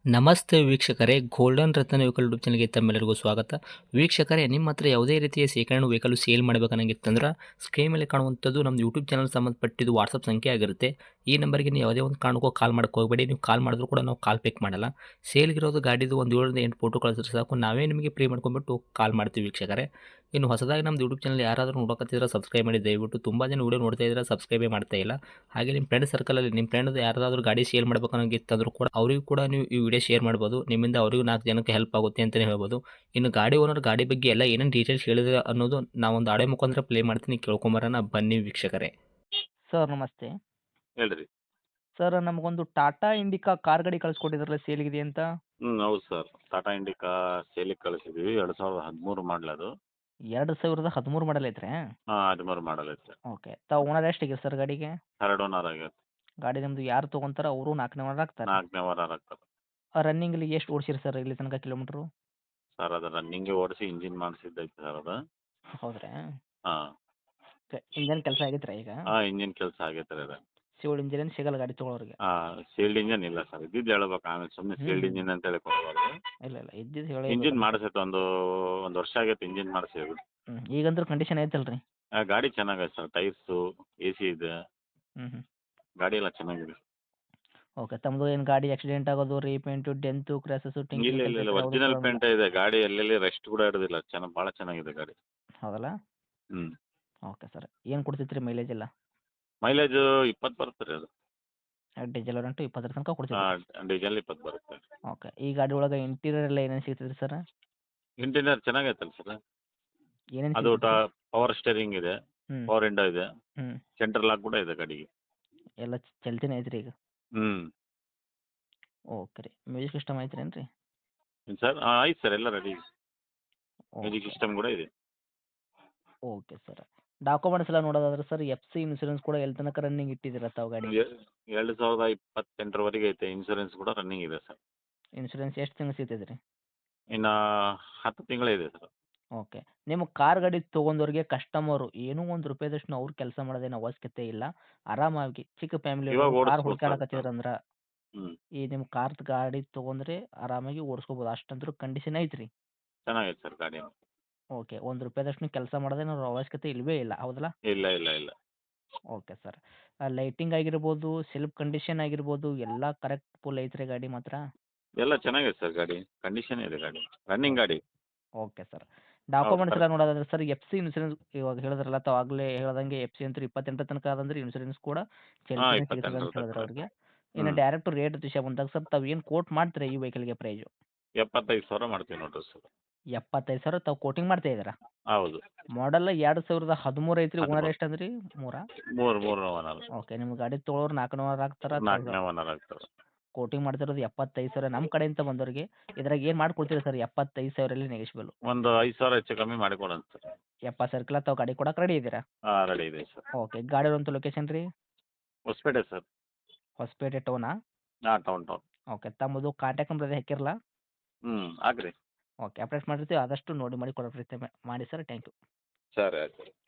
ನಮಸ್ತೆ ವೀಕ್ಷಕರೇ, ಗೋಲ್ಡನ್ ರತ್ನ vehicle YouTube ಚಾನಲ್ಗೆ ತಮ್ಮೆಲ್ಲರಿಗೂ ಸ್ವಾಗತ. ವೀಕ್ಷಕರೇ, ನಿಮ್ಮ ಹತ್ರ ಯಾವುದೇ ರೀತಿಯ ಶೇಖರಣೆ ವೆಹಿಕಲ್ ಸೇಲ್ ಮಾಡಬೇಕನ್ನಂಗಿತ್ತಂದ್ರೆ ಸ್ಕ್ರೀನ್ ಮೇಲೆ ಕಾಣುವಂಥದ್ದು ನಮ್ಮ ಯೂಟ್ಯೂಬ್ ಚಾನಲ್ ಸಂಬಂಧಪಟ್ಟಿದ್ದು ವಾಟ್ಸಪ್ ಸಂಖ್ಯೆ ಆಗಿರುತ್ತೆ. ಈ ನಂಬರ್ಗೆ ನೀವು ಯಾವುದೇ ಒಂದು ಕಾರಣಕ್ಕೂ ಕಾಲ್ ಮಾಡಕ್ಕೆ ಹೋಗಬೇಡಿ. ನೀವು ಕಾಲ್ ಮಾಡಿದ್ರು ಕೂಡ ನಾವು ಕಾಲ್ ಪಿಕ್ ಮಾಡಲ್ಲ. ಸೇಲ್ಗಿರೋದು ಗಾಡಿದು ಒಂದು 7ರಿಂದ 8 ಫೋಟೋ ಕಳಿಸಿದ್ರೆ ಸಾಕು, ನಾವೇ ನಿಮಗೆ ಪ್ರೀ ಮಾಡ್ಕೊಂಡ್ಬಿಟ್ಟು ಕಾಲ್ ಮಾಡ್ತೀವಿ ವೀಕ್ಷಕರೇ. ಇನ್ನು ಹೊಸದಾಗಿ ನಮ್ಮದು ಯೂಟ್ಯೂಬ್ ಚಾನಲ್ ಯಾರಾದರೂ ನೋಡೋಕತ್ತಿದ್ರೆ ಸಬ್ಸ್ಕ್ರೈಬ್ ಮಾಡಿ ದಯವಿಟ್ಟು. ತುಂಬ ಜನ ವೀಡಿಯೋ ನೋಡ್ತಾ ಇದ್ದಾರೆ, ಸಬ್ಸ್ಕ್ರೈಬೇ ಮಾಡ್ತಾ ಇಲ್ಲ. ಹಾಗೆ ನಿಮ್ಮ ಫ್ರೆಂಡ್ ಸರ್ಕಲಲ್ಲಿ ನಿಮ್ಮ ಫ್ರೆಂಡ್ ಯಾರಾದರೂ ಗಾಡಿ ಸೇಲ್ ಮಾಡ್ಬೇಕನ್ನೋಂಗಿತ್ತಂದ್ರೂ ಕೂಡ ಅವರಿಗೂ ಕೂಡ ನೀವು ಈ ವಿಡಿಯೋ ಶೇರ್ ಮಾಡ್ಬೋದು. ನಿಮ್ಮಿಂದ ಅವರಿಗೂ 4 ಜನಕ್ಕೆ ಹೆಲ್ಪ್ ಆಗುತ್ತೆ ಅಂತಲೇ ಹೇಳ್ಬೋದು. ಇನ್ನು ಗಾಡಿ ಓನರ್ ಗಾಡಿ ಬಗ್ಗೆ ಎಲ್ಲ ಏನೇನು ಡೀಟೇಲ್ಸ್ ಹೇಳಿದ್ರೆ ಅನ್ನೋದು ನಾವೊಂದು ಆಡಿಯೋ ಮುಖಾಂತರ ಪ್ಲೇ ಮಾಡ್ತೀನಿ, ಕೇಳ್ಕೊಂಬರೋಣ ಬನ್ನಿ ವೀಕ್ಷಕರೇ. ಸರ್ ನಮಸ್ತೆ. ಹೇಳ್ರಿ. ಸರ್ ನಮಗೊಂದು ಟಾಟಾ ಇಂಡಿಕಾ ಕಾರ್ ಗಾಡಿ ಕಳಿಸ್ಕೊಟ್ಟಿದ್ರಲ್ಲ ಸೇಲ್ಗಿದೆ ಅಂತ. ಹೌದು ಸರ್. ಟಾಟಾ ಇಂಡಿಕಾ ಸೇಲಿಗೆ ಕಳಿಸಿದ್ದೀವಿ. 2013 ಮಾಡಲ್ ಅದು. 2013 ಮಾಡಲ್ ಐತ್ರಿ? 13 ಮಾಡಲ್ ಐತೆ. ಓಕೆ. ತಾವು ಓನರ್ ಎಷ್ಟಿಗೆ ಸರ್ ಗಾಡಿಗೆ? 2 ಓನರ್ ಆಗೈತೆ. ಗಾಡಿ ನಿಮ್ಮದು ಯಾರು ತೊಗೊಂತಾರ ಅವರು 4ನೇ ಓನರ್ ಆಗ್ತಾರೆ? 4ನೇ ಓನರ್ ಆಗ್ತದೆ. ರನ್ನಿಂಗಲ್ಲಿ ಎಷ್ಟು ಓಡಿಸಿರಿ ಸರ್ ಇಲ್ಲಿ ತನಕ ಕಿಲೋಮೀಟ್ರು? ಸರ್ ಅದು ರನ್ನಿಂಗ್ಗೆ ಓಡಿಸಿ ಇಂಜಿನ್ ಮಾಡಿಸಿದ್ದೈತೆ ಸರ್ ಅದು. ಹೌದ್ರಾ? ಹಾಂ. ಓಕೆ. ಇಂಜನ್ ಕೆಲಸ ಆಗೈತ್ರಿ ಈಗ? ಇಂಜಿನ್ ಕೆಲಸ ಆಗೈತೆ ರೀ ಅದು. ಸಿವಿಲ್ ಇಂಜಿನ್ ಸಿಗಲ್ಲ ಗಾಡಿ ತೊಗೊಳೋರಿಗೆ? ಸೀಲ್ಡ್ ಇಂಜನ್ ಇಲ್ಲ ಸರ್. ಇದ್ದಿದ್ದು ಹೇಳ್ಬೇಕು, ಆಮೇಲೆ ಸುಮ್ಮನೆ ಸೀಲ್ಡ್ ಇಂಜಿನ್ ಅಂತೇಳಿ ಕೊಡಬಾರ್ದು. ಇಲ್ಲ ಇದ್ದಿದ್ದು ಹೇಳಿ. ಇಂಜಿನ್ ಮಾಡಿಸೈತೆ, ಒಂದು ವರ್ಷ ಆಗೈತೆ ಇಂಜಿನ್ ಮಾಡಿಸಿ. ಈಗಂದ್ರೂ ಕಂಡೀಷನ್ ಐತಲ್ರಿ? ಗಾಡಿ ಚೆನ್ನಾಗೈತೆ ಸರ್. ಟೈರ್ಸು, AC ಇದೆ. ಹ್ಞೂ. ಗಾಡಿ ಎಲ್ಲ ಚೆನ್ನಾಗಿದೆ. ಓಕೆ. ತಮ್ಮದು ಏನು ಗಾಡಿ ಆಕ್ಸಿಡೆಂಟ್ ಆಗೋದು, ರೀಪೇಂಟು, ಡೆಂತು, ಕ್ರ್ಯಾಸಸ್ಸು, ಇಲ್ಲ ಒರಿಜಿನಲ್ ಪೇಂಟ್ ಇದೆ ಗಾಡಿ. ಎಲ್ಲೆಲ್ಲಿ ರೆಸ್ಟ್ ಕೂಡ ಹಿಡಿದಿಲ್ಲ. ಭಾಳ ಚೆನ್ನಾಗಿದೆ ಗಾಡಿ. ಹೌದಲ್ಲ? ಹ್ಞೂ. Okay sir. ಏನು ಕೊಡ್ತೈತ್ರಿ ಮೈಲೇಜ್ ಎಲ್ಲ? ಮೈಲೇಜು 20 ಬರುತ್ತೆ ರೀ ಅದು. ಡೀಸೆಲ್ ರೆಂಟು 20 ತನಕ ಕೊಡ್ತೈತಿ? ಡೀಸೆಲ್ 20 ಬರುತ್ತೆ. ಓಕೆ. ಈ ಗಾಡಿ ಒಳಗೆ ಇಂಟೀರಿಯರ್ ಎಲ್ಲ ಏನೇನು ಸಿಗ್ತೈತ್ರಿ ಸರ್? Interior ಚೆನ್ನಾಗೈತಲ್ಲ sir. ಏನೇನು ಅದು ಸಿಗ್ತೈತೆ? ಪವರ್ ಸ್ಟೇರಿಂಗ್ ಇದೆ, ಹ್ಞೂ. ಪವರ್ ವಿಂಡೋ ಇದೆ, ಹ್ಞೂ. ಸೆಂಟ್ರಲ್ ಲಾಕ್ ಕೂಡ ಇದೆ ಗಾಡಿಗೆ. ಎಲ್ಲ ಚಲ್ತಿನೇ ಐತ್ರಿ ಈಗ? ಹ್ಞೂ. ಓಕೆ ರೀ. ಮ್ಯೂಸಿಕ್ ಸಿಸ್ಟಮ್ ಐತ್ರೇನು ರೀ? ಏನು ಸರ್? ಐತೆ ಸರ್, ಎಲ್ಲ ರೆಡಿ. Music okay. ಸಿಸ್ಟಮ್ ಕೂಡ ಇದೆ. Okay sir. ಡಾಕ್ಯುಮೆಂಟ್ಸ್ ಎಲ್ಲ ನೋಡೋದಾದ್ರೆ ಸರ್ FC ಇನ್ಸೂರೆನ್ಸ್ ಕೂಡ ಎಲ್ಲಿ ತನಕ ರನ್ನಿಂಗ್ ಇಟ್ಟಿದ್ದೀರ ತಾವು ಗಾಡಿ? 2028 ಐತೆ. ಇನ್ಸೂರೆನ್ಸ್ ಕೂಡ ರನ್ನಿಂಗ್ ಇದೆ ಸರ್. ಇನ್ಸೂರೆನ್ಸ್ ಎಷ್ಟು ತಿಂಗಳು ಸಿಗ್ತೈತೆ ರೀ? ಇನ್ನು 10 ತಿಂಗಳೇ ಇದೆ ಸರ್. ಓಕೆ. ನಿಮ್ಮ ಕಾರ್ ಗಾಡಿ ತೊಗೊಂಡವ್ರಿಗೆ ಕಸ್ಟಮರು ಏನೂ ಒಂದು ರೂಪಾಯಿದಷ್ಟು ಅವ್ರು ಕೆಲಸ ಮಾಡೋದೇನು ಅವಶ್ಯಕತೆ ಇಲ್ಲ. ಆರಾಮಾಗಿ ಚಿಕ್ಕ ಫ್ಯಾಮಿಲಿ ಇವಾಗ ಕಾರ್ ಓಡಿಸ್ಬೋದು ಸರ್. ಹುಡ್ಕ್ಯಾಡಕತ್ತಿದ್ರಂದ್ರೆ ಹ್ಞೂ. ಈ ನಿಮ್ಮ ಕಾರ್ದು ಗಾಡಿ ತೊಗೊಂಡ್ರೆ ಆರಾಮಾಗಿ ಓಡಿಸ್ಕೋಬೋದು. ಅಷ್ಟಂದ್ರೂ ಕಂಡೀಷನ್ ಐತ್ರಿ? ಚೆನ್ನಾಗೈತೆ ಸರ್ ಗಾಡಿ. ಓಕೆ. ಒಂದು ರೂಪಾಯಿದಷ್ಟು ಕೆಲಸ ಮಾಡೋದೇನು ಅವಶ್ಯಕತೆ ಇಲ್ಲವೇ ಇಲ್ಲ, ಹೌದಲ್ಲ? ಇಲ್ಲ. Okay sir. ಲೈಟಿಂಗ್ ಆಗಿರ್ಬೋದು, ಸೆಲ್ಫ್ ಕಂಡೀಷನ್ ಆಗಿರ್ಬೋದು, ಎಲ್ಲ ಕರೆಕ್ಟ್ ಫುಲ್ ಐತ್ರಿ ಗಾಡಿ ಮಾತ್ರ? ಎಲ್ಲ ಚೆನ್ನಾಗೈತೆ ಸರ್ ಗಾಡಿ. ಕಂಡೀಷನ್ ಇದೆ ಗಾಡಿ. ರನ್ನಿಂಗ್ ಗಾಡಿ. Okay sir. Documents sir. ಎಲ್ಲ ನೋಡೋದಾದ್ರೆ ಸರ್ FC ಇನ್ಸೂರೆನ್ಸ್ ಇವಾಗ ಹೇಳಿದ್ರಲ್ಲ ತಾವು ಆಗಲೇ ಹೇಳ್ದಂಗೆ FC ಅಂತೂ 28 ತನಕ ಅದಂದ್ರೆ ಇನ್ಸೂರೆನ್ಸ್ ಕೂಡ ಚಲ್ತಿನೇ ಸಿಗ್ತದೆ 28 ಅಂತ ಹೇಳಿದ್ರು ಅವ್ರಿಗೆ. ಹ್ಞೂ. ಇನ್ನು ಡೈರೆಕ್ಟ್ ರೇಟ್ ವಿಷಯ ಬಂದಾಗ ಸರ್ ತಾವು ಏನು ಕೋಟ್ ಮಾಡ್ತೀರಾ ಈ ವೆಹಿಕಲ್ಗೆ ಪ್ರೈಸು? 75,000 ಮಾಡ್ತೀವಿ ನೋಡಿರಿ ಸರ್. 75,000 ತಾವು ಕೋಟಿಂಗ್ ಮಾಡ್ತಾ ಇದ್ದೀರಾ? ಹೌದು. ಮಾಡಲ್ 2013 ಐತ್ರಿ. ಓನರ್ 13. ಎಷ್ಟು ಅಂದ್ರಿ? 3? 3 ಓನರ್. ಓಕೆ. ನಿಮ್ಮ ಗಾಡಿ ತೊಗೊಳೋರು 4ನೇ ಓನರ್ ಆಗ್ತಾರೆ. 4ನೇ ಓನರ್ ಆಗ್ತಾರೆ. ಕೋಟಿಂಗ್ ಮಾಡ್ತಿರೋದು 75,000 ನಮ್ಮ ಕಡೆಯಿಂದ ಬಂದವ್ರಿಗೆ. ಇದ್ರಾಗ ಏನು ಮಾಡ್ಕೊಡ್ತೀರಾ ಸರ್? 75,000 ನೆಗೆಶ್ಬಲ್? ಒಂದು 5,000 ಹೆಚ್ಚು ಕಮ್ಮಿ ಮಾಡಿ ಕೊಡೋಣ ಸರ್. 70,000 ತಾವು ಗಾಡಿ ಕೊಡಕ್ಕೆ ರೆಡಿ ಇದ್ದೀರಾ? ರೆಡಿ ಇದೆ ಸರ್. ಓಕೆ. ಗಾಡಿ ಇರುವಂಥ ಲೊಕೇಶನ್ ರೀ? ಹೊಸಪೇಟೆ ಸರ್. ಹೊಸಪೇಟೆ ಟೌನಾ? ಟೌನ್. ಓಕೆ. ತಮ್ಮದು ಕಾಂಟ್ಯಾಕ್ಟ್ ನಂಬರ್ ಅದೇ ಹಾಕಿರಲ್ಲ? ಹಾಕ್ರಿ. ಓಕೆ. ಅಪ್ಡೇಟ್ ಮಾಡಿರ್ತೀವಿ. ಆದಷ್ಟು ನೋಡಿ ಮಾಡಿ ಕೊಡೋ ಪ್ರಯತ್ನ ಮಾಡಿ ಸರ್. Thank you. ಸರಿ ಆಯ್ತು.